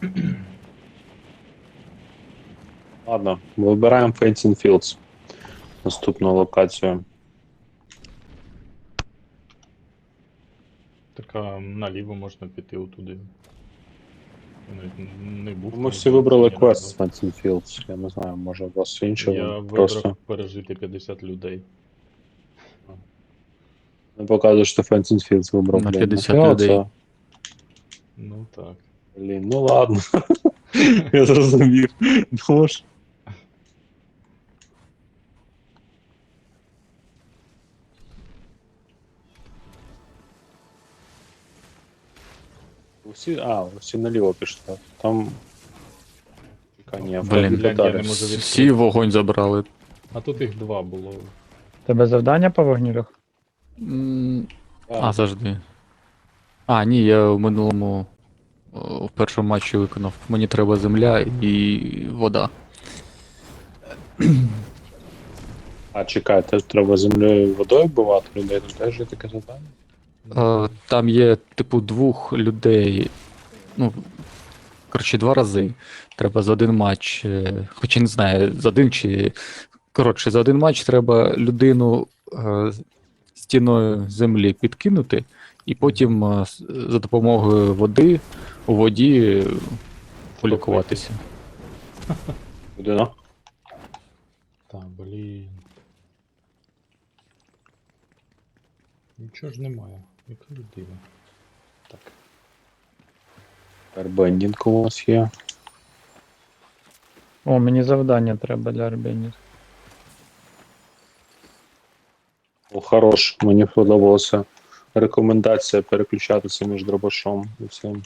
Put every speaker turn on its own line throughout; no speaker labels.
Ладно, вибираємо Fencing Fields. Наступну локацію.
Так наліво можна піти отуди. Я навіть не був.
Ми
там,
всі
здається,
вибрали
ні
квест з
разу.
Fencing Fields. Я не знаю, може у вас інше.
Я
ви
вибрав
просто
пережити 50 людей.
не показує, що Fencing Fields вибрав,
На
блін.
50
Нафіга
людей.
оце?
Ну так.
Блін, ну ладно. Я зрозумів. Ну ж. Всі наліво пішли. Там. Чекай, ні,
Блін,
Фредді
глянь, я
Татарі.
не можу відкрити.
Всі вогонь забрали.
А тут їх два було.
Тебе завдання по вогнюрах?
Завжди. Ні, я в минулому в першому матчі виконав. Мені треба земля і вода.
Чекай, теж треба землею і водою вбивати людей, тут теж є таке завдання.
Там є, типу, двох людей. Ну, коротше, 2 рази. Треба за один матч. Хоча не знаю, за один чи. Коротше, за один матч треба людину стіною землі підкинути, і потім за допомогою води у воді полікуватися.
Людина.
Та, блін. Нічого ж немає. Яка людина? Так.
Арбендінг у вас є.
О, мені завдання треба для арбенів.
О, хорош, мені сподобалася рекомендація переключатися між дробашом і всім.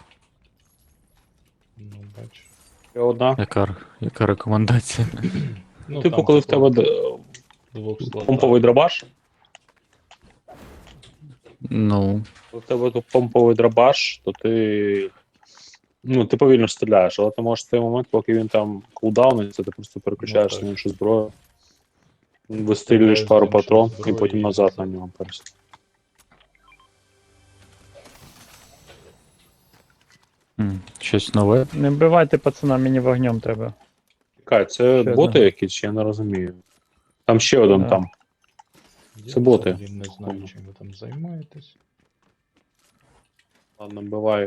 Ну, бач.
Ще одна.
Яка рекомендація?
Ну,
Типу,
там
коли в тебе
двох слотах.
помповий дробаш,
Ну,
коли в тебе тут помповий дробаш, то ти. Ну, ти повільно стріляєш, але ти можеш в той момент, поки він там кулдауниться, ти просто переключаєшся
так.
на іншу зброю. Вистрілюєш
Стріляєш
пару
з іншої
патрон і
зброї
потім
і
назад на
назад.
нього перейшов.
щось нове.
Не вбивайте пацана, мені вогнем треба.
Чекай, це
Ще
боти
одна.
якісь, я не розумію. Там ще один
Да.
там.
Я
Це боти.
взагалі не знаю, чим ви там займаєтесь.
Ладно, буває.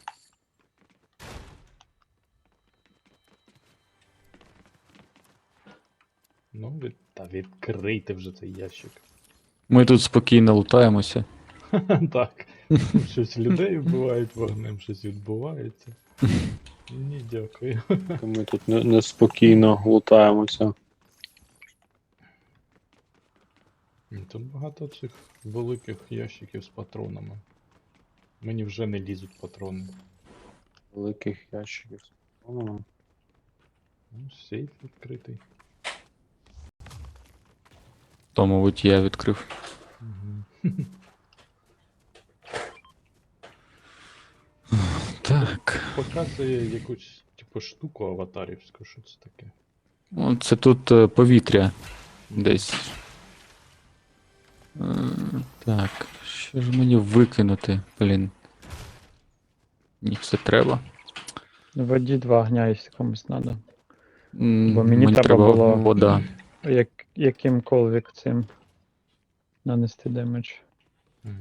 Ну, відкрийте вже цей ящик.
Ми тут спокійно лутаємося.
Так. Щось людей вбивають вогнем, щось відбувається. Ні, дякую.
Ми тут неспокійно лутаємося.
Тут багато цих великих ящиків з патронами. Мені вже не лізуть патрони.
Великих ящиків.
Ну, сейф відкритий.
То, мабуть, я відкрив.
Угу.
Так.
Показує якусь, типу, штуку аватарівську, що це таке.
Це тут повітря десь. Так, що ж мені викинути, блін. Ні, все треба.
В воді 2 огня, якщо комусь треба.
Бо
мені треба було-
вода.
Яким колвік цим нанести демедж.
Угу.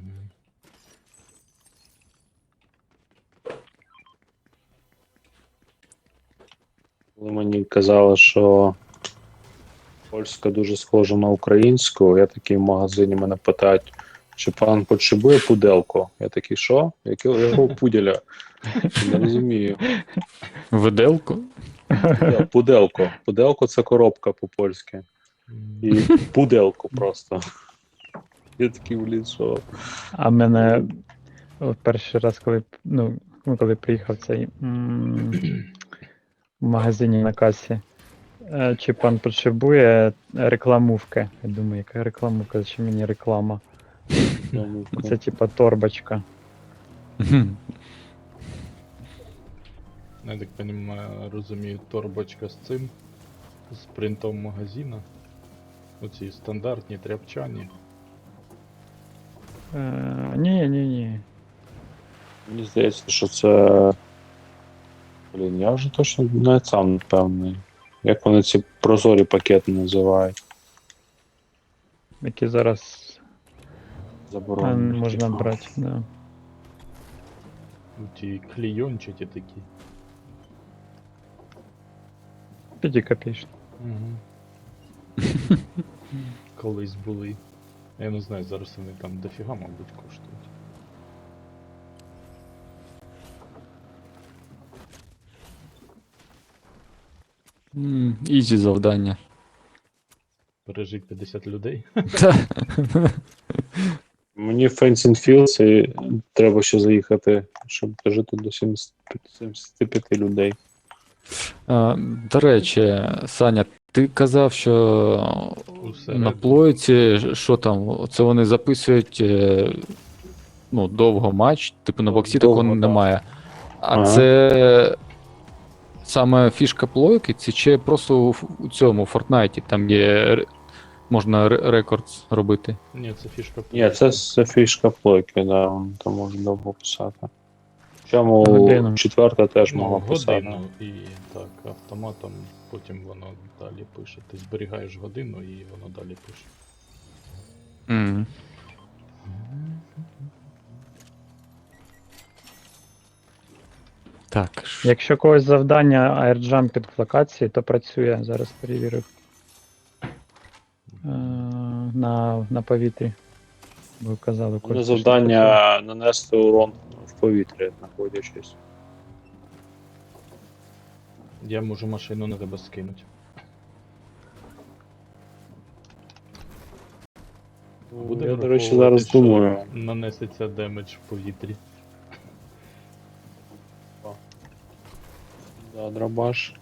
Коли мені казали, що польська дуже схожа на українську, я такий в магазині мене питають, чи пан потребує пуделку? Я такий, що? Якого пуделя? Не розумію.
Виделку?
Пуделко. Пуделко це коробка по-польськи. І пуделку просто. Я такий, блін, що?
А мене перший раз, коли приїхав цей в магазині на касі, чи пан потребує рекламувки? Я думаю, яка рекламувка, чи мені реклама? Це типа торбочка.
Я так розумію, торбочка з цим, з принтом магазина. Оці стандартні тряпчані.
Ні.
Мені здається, що це Блін, я вже точно не сам не впевнений. Як вони ці прозорі пакети називають?
Які зараз
Заборонені.
можна
типу.
брати. Да.
Ті клейончаті такі.
5 копійч.
Угу. Колись були. Я не знаю, зараз вони там дофіга, мабуть, коштують.
Ізі завдання.
Пережить 50 людей.
Та.
Мені в Fencing Fields і треба ще заїхати, щоб дожити до 75 людей.
До речі, Саня, ти казав, що
Усередині.
на плойці, що там, це вони записують довго матч, типу на боксі
Довго,
такого
да.
немає. А
Ага.
це саме фішка плойки, це чи просто у цьому Фортнайті, там є можна рекорд робити.
Ні, це фішка.
Ні, це фішка плойки, да, там можна довго писати. Чому
Годину.
четверта теж могла писати.
годину і так, автоматом потім воно далі пише. Ти зберігаєш годину і воно далі пише.
Мгм. Так.
Якщо когось завдання аірджампінг в локації, то працює. Зараз перевірив. На повітрі. Ви казали,
У мене
Костя, що
завдання нанести урон в повітрі, знаходячись.
Я можу машину на тебе скинути. Буде
Я, до речі,
враховувати,
зараз
що
думаю.
Нанесеться демедж в повітрі.
Да, дробаш.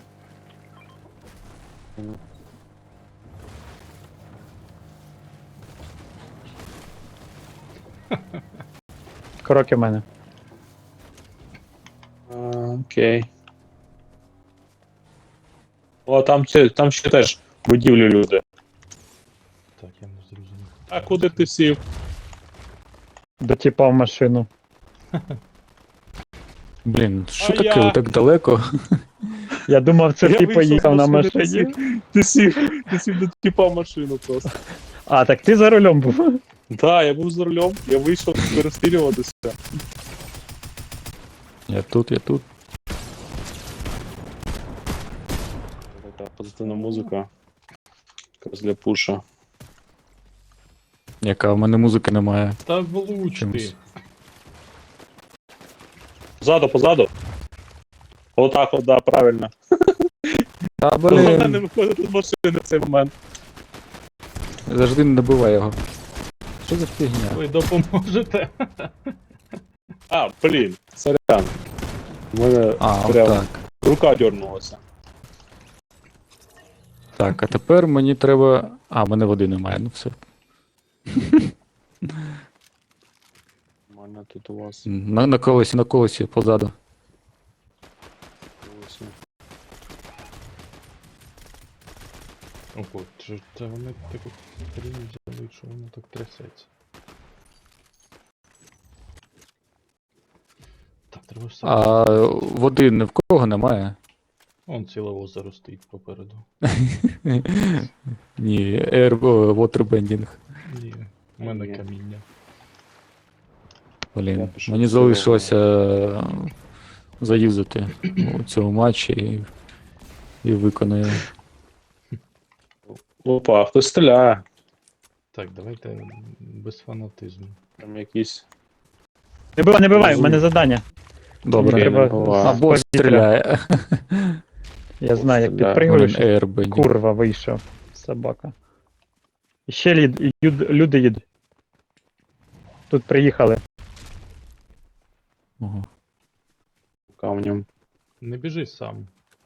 працює. Кроки в мене.
Окей. О, там ще теж будівлі люди.
Так, я не зрозумів.
А куди ти сів?
Дотіпав машину.
Блін, що
А
таке,
я-
ви так далеко?
Я думав, це
Я
ти
вийшов
поїхав
з
на
машини,
машині.
Ти сів до тіпа машину просто.
А, так ти за рулем був.
Да, я був за рулем, я вийшов перестрілюватися.
Я тут.
Така позитивна музика. Якраз для пуша.
Яка в мене музики немає.
Та влуч
Чимось.
ти.
Позаду. Отак, от, да, правильно.
Та
Головне не
блін,
виходити з машини в цей момент.
завжди не добивай його. Що за фігня?
Ви допоможете?
А, блін, сорян. У мене
А,
прям
так.
рука дернулася.
Так, а тепер мені треба. А, в мене води немає, ну все.
У мене тут у вас
На колесі позаду.
ось.
Ого, це вони таку хрінь взяли, що воно так трясеться. Так, треба ж сам.
А води ні в кого немає?
Вон ціле озеро стоїть попереду.
Ні, waterbending.
Ні, в мене
Ні.
каміння.
Блін,
Я пішов
мені
з цього.
залишилося заюзати у цьому матчі і виконую.
Опа, хтось стріляє.
Так, давайте без фанатизму.
Там якісь.
Не бивай, в мене завдання.
Добре.
Ні,
треба-
не буває.
А бос
повітря.
стріляє.
Я знаю, як
Стріляє.
підпригуєш.
Airbending.
Курва, вийшов. Собака. І ще люди їдуть. Тут приїхали.
Ого.
Камнем.
Не біжи сам.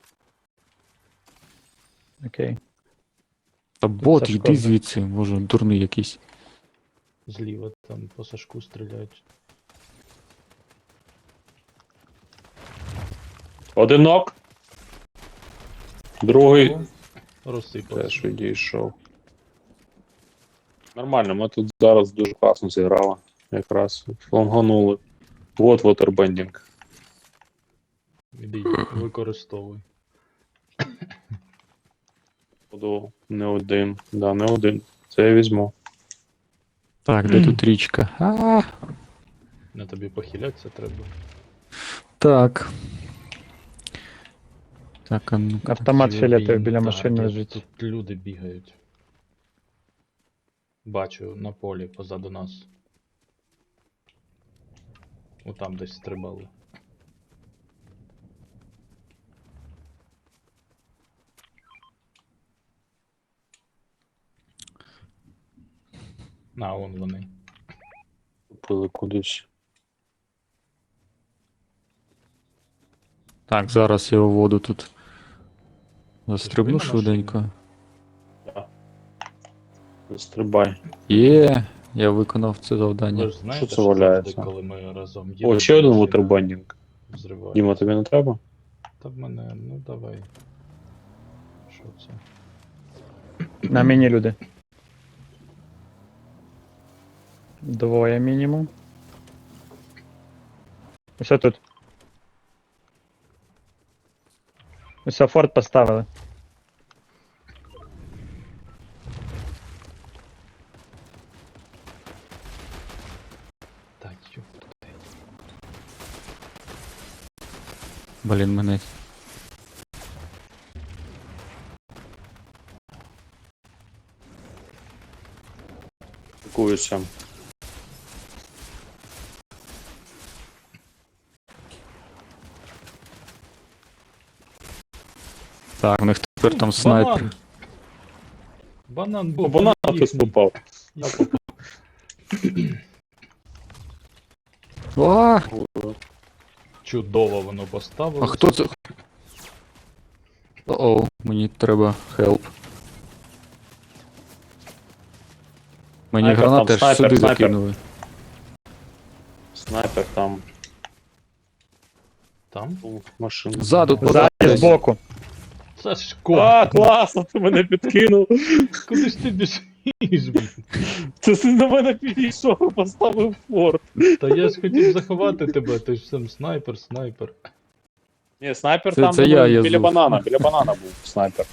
Окей.
Та бот,
Сашко
йди
вже.
звідси, може, дурний якийсь.
Зліва там по Сашку стріляють.
Одинок. Другий
Розсипався.
теж відійшов. Нормально, ми тут зараз дуже класно зіграли. Якраз фланганули. Вот waterbending.
Іди, використовуй.
Буду не один. Да, не один. Це я візьму.
Так, де тут річка?
На тобі похилятися треба.
Так. Так, а ну.
Автомат
Ці
фіолетовий біля
так,
машини
де
лежить.
Тут люди бігають. Бачу, на полі позаду нас. Отам десь стрибали. На, вон вони.
Купили кудись.
Так, зараз я у воду тут застрибну
Ти ж ви на
швиденько.
Стрибай.
Є, я виконав це завдання.
Ви ж знаєте,
це
що
валяється?
завжди, коли ми разом їдемо,
О, ще один
машина
ватербандінг.
взривається.
Діма, тобі не треба?
Та в мене, ну давай. Що це?
На мені люди. Двоє мінімум. Ось тут. Ось форт поставили.
Так, ёп.
Блін, мене.
Пакуюся.
Так, у них тепер там снайпер.
Банан! Банан
О,
був.
банан
їхній.
хтось попав.
Я попав.
А,
Чудово воно поставило.
а хто це? О, мені треба хелп. Мені
Снайпер
гранати
там,
аж
снайпер,
сюди
снайпер.
закинули.
Снайпер там.
Там?
Машина.
Ззаду,
Ззаді,
подалі.
збоку.
Сашко,
А, класно, ти мене підкинув.
куди ж ти біжиш, блін?
Це ти на мене підійшов, поставив форт.
Та я ж хотів заховати тебе, ти ж сам снайпер.
Ні, снайпер
Це-
там
це
думаю,
я
біля
звук.
біля банана був снайпер.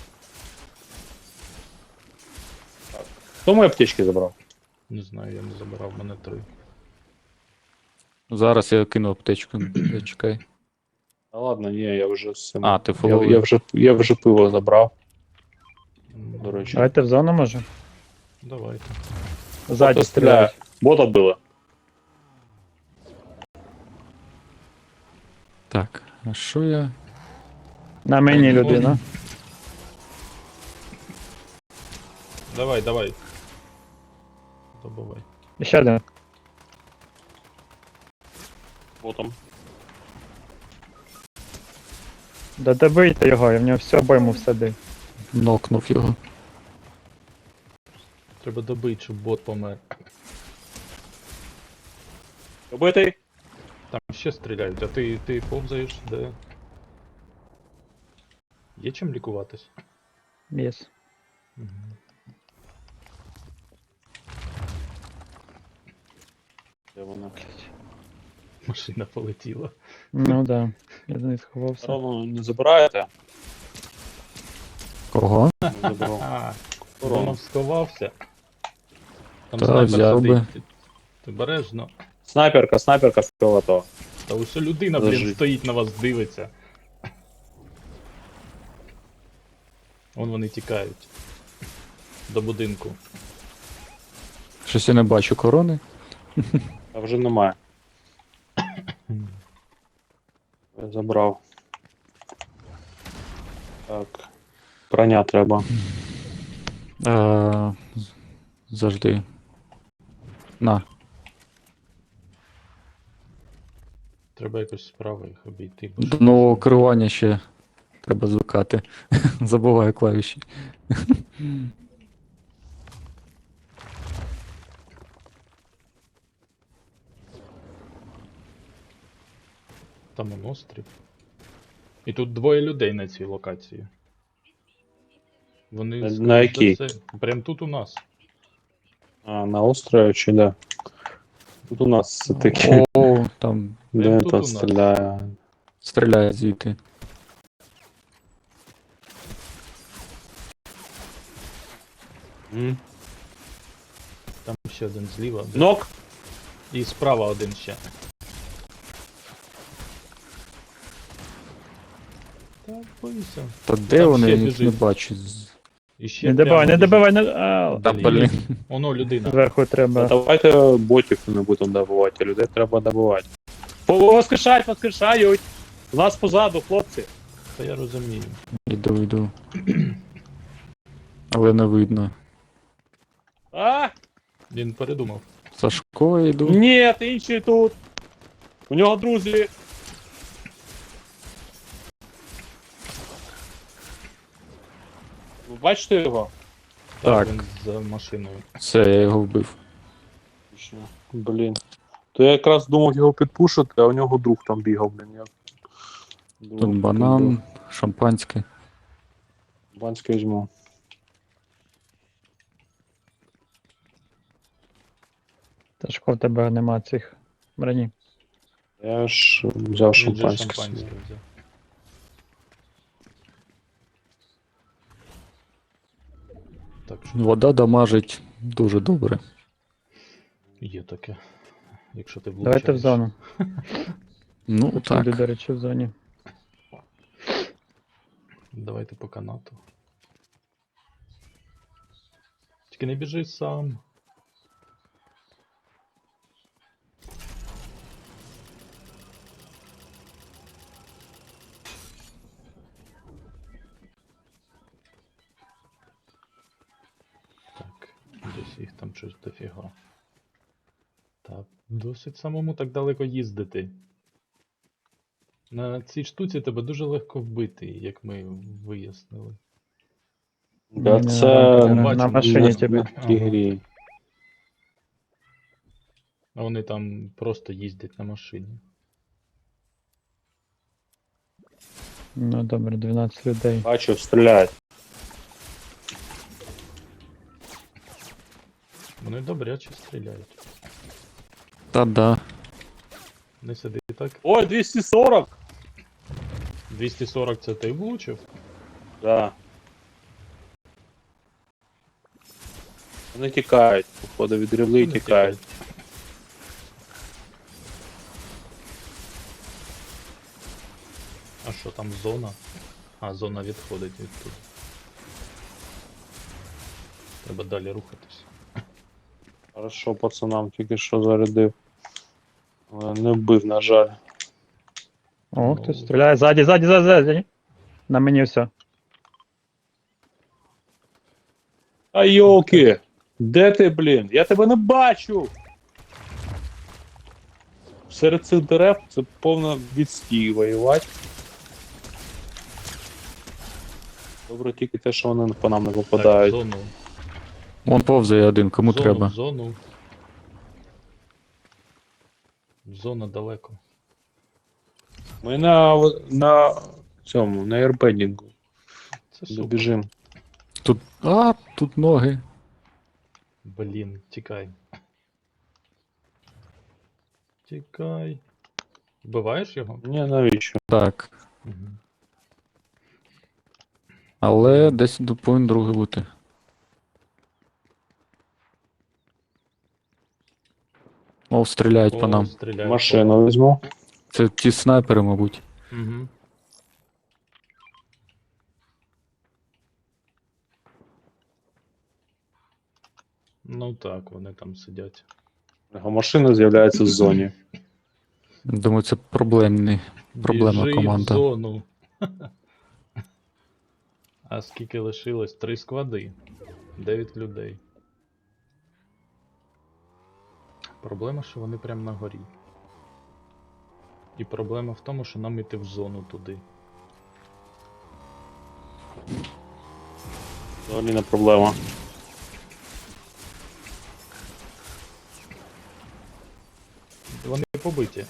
Так. Хто мої аптечки забрав?
Не знаю, я не забирав, мене 3.
Зараз я кину аптечку. Чекай.
Та ладно, ні, я вже з цим.
А, ти
я,
фоловий.
я вже пиво забрав,
Ну,
до речі.
Давайте в зону може.
Давайте.
Ззаді
Бота стріляє.
стріляють.
Бота били.
Так, а що я?
На мені людина.
Давай. Добивай.
І ще один.
Ботом.
Да добийте його, я в нього всю обойму всадив.
Нокнув його.
Треба добити, щоб бот помер.
Добитий?
Там ще стріляють, а ти повзаєш, де? Є чим лікуватись?
Єс.
Угу.
Де вона?
Машина полетіла.
Ну да. Я за неї сховався.
Корону не забираєте?
Кого?
Не забрав.
А,
Корону.
воно сховався. Там
Та,
снайпер
взяв
сидить.
би.
Ти бережно.
Снайперка фіолетова.
Та ось людина,
Лежить.
стоїть на вас, дивиться. Вон вони тікають. До будинку.
Щось я не бачу корони.
А вже немає. Я забрав. Так. Броня треба.
Завжди. На.
Треба якось справа їх обійти. бо
До
що
нового
це?
керування ще треба звикати. Забуваю клавіші.
Там он острів. І тут двоє людей на цій локації. Вони
На
скоріш за
якій?
все, прям тут у нас.
А, на острові чи де? Тут у нас все таки.
О, там.
Де
Прям тут у
там
нас.
стріляє?
Стріляє звідти.
М.
Там ще один зліва.
Нок!
І справа один ще. Так, бойся.
Та де
Там
вони?
ще
Я їх
біжить.
не бачу.
І ще
Не добивай, не
прямо
добивай, не. А,
Та
біжить.
блін.
Оно людина.
зверху треба.
Давайте ботів не будемо добивати, а людей треба добивати. Воскрешають! У нас позаду, хлопці!
Та я розумію.
Іду. Але не видно.
А!
Він передумав.
Сашко йду.
Ні, інший тут! У нього друзі! Ви бачите його?
Так.
Він за машиною.
Все, я його вбив.
Блін. То я якраз думав його підпушити, а у нього друг там бігав, блін. Я...
Тут банан, шампанське.
Банське візьму.
Ташко, в тебе нема цих броні.
Я ж взяв
Він же
шампанське.
шампанське взяв. Так що
Вода дамажить дуже добре.
є таке. Якщо ти влучаєш.
Давайте в зону.
Ну
Тут
так.
люди, до речі, в зоні.
Давайте по канату. Тільки не біжи сам. Так, десь їх там щось дофіга. Так, досить самому так далеко їздити. На цій штуці тебе дуже легко вбити, як ми вияснили.
Да,
Ні,
це
на
бачу,
машині
не
тебе.
в тій грі.
А вони там просто їздять на машині.
Ну добре, 12 людей.
Бачу, стріляють.
Вони добряче стріляють.
Та да.
Не сиди так.
Ой, 240!
240 це ти влучив?
Да. Вони тікають, походу від рівли і
Вони
тікають.
А що там зона? А, зона відходить від тут. Треба далі рухатись.
Хорошо, пацанам тільки що зарядив. Але не вбив, на жаль.
О,
Ну.
хтось стріляє. Ззаді. На мені все.
А йолки! Де ти, блін? Я тебе не бачу! Серед цих дерев це повно відстій воювати. Добре тільки те, що вони по нам не
Так,
попадають.
зону.
Вон повзає один, кому
зону,
треба.
Зону. Зона далеко.
Ми на цьому, на ербендінгу.
Це супер.
Добіжим.
Тут. Тут ноги.
Блін, тікай. Тікай. Вбиваєш його?
Ні, навіщо?
Так.
Угу.
Але десь повинен другий бути. О, стріляють по нам.
Стріляють.
Машину візьму.
Це ті снайпери, мабуть.
Угу. Ну так, вони там сидять.
Його машина з'являється в зоні.
Думаю, це проблемна
Біжи
команда.
в зону. А скільки лишилось? 3 склади. 9 людей. Проблема, що вони прямо на горі. І проблема в тому, що нам іти в зону туди.
Взагалі не проблема.
Вони побиті.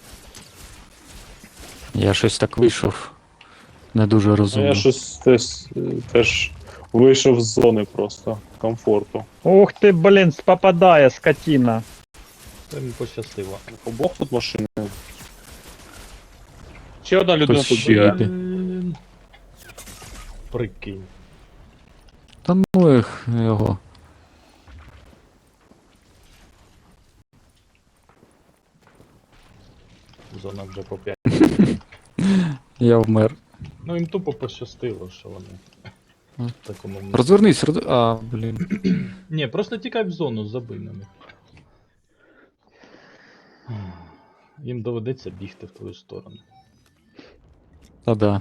Я щось так вийшов. Не дуже
Ну,
розумно.
я щось теж вийшов з зони просто комфорту.
Ух ти, блін, попадає, скотина.
Це їм пощастило.
Обох тут машини. Ще одна людина
Хтось
тут
ще
є.
йде.
Прикинь.
Та ну їх його.
Зона вже по 5.
Я вмер.
Ну їм тупо пощастило, що вони
Ну.
в такому місці.
Розвернись, А, блін.
Ні, просто тікай в зону, забий на них. Їм доведеться бігти в твою сторону.
Та да.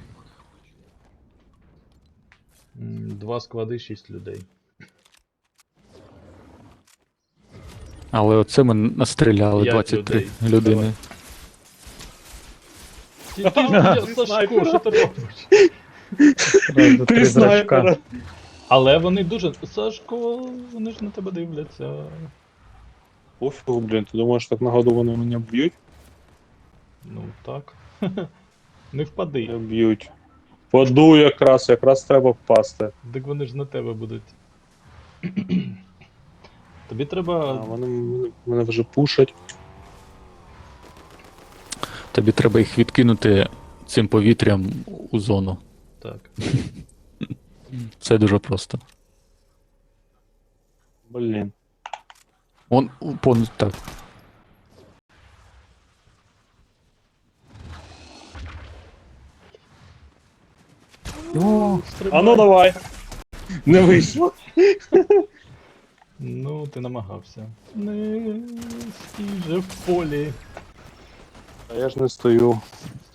2 склади, 6 людей.
Але оце ми настріляли
5
23
людей.
людини.
Сашко, що ти робиш?
Зразу три зрачка.
Але вони дуже. Сашко, вони ж на тебе дивляться.
Пофігу, блін, ти думаєш, так нагоду вони мене б'ють?
Ну так. Не впади.
Не б'ють. Паду якраз треба впасти.
Так вони ж на тебе будуть. Тобі
А,
треба.
вони вже пушать.
Тобі треба їх відкинути цим повітрям у зону.
Так.
Це дуже просто.
Блін.
Так.
О,
Стрибай.
а ну давай. Не вийшло.
Ну, ти намагався. Не стій же в полі.
А я ж не стою.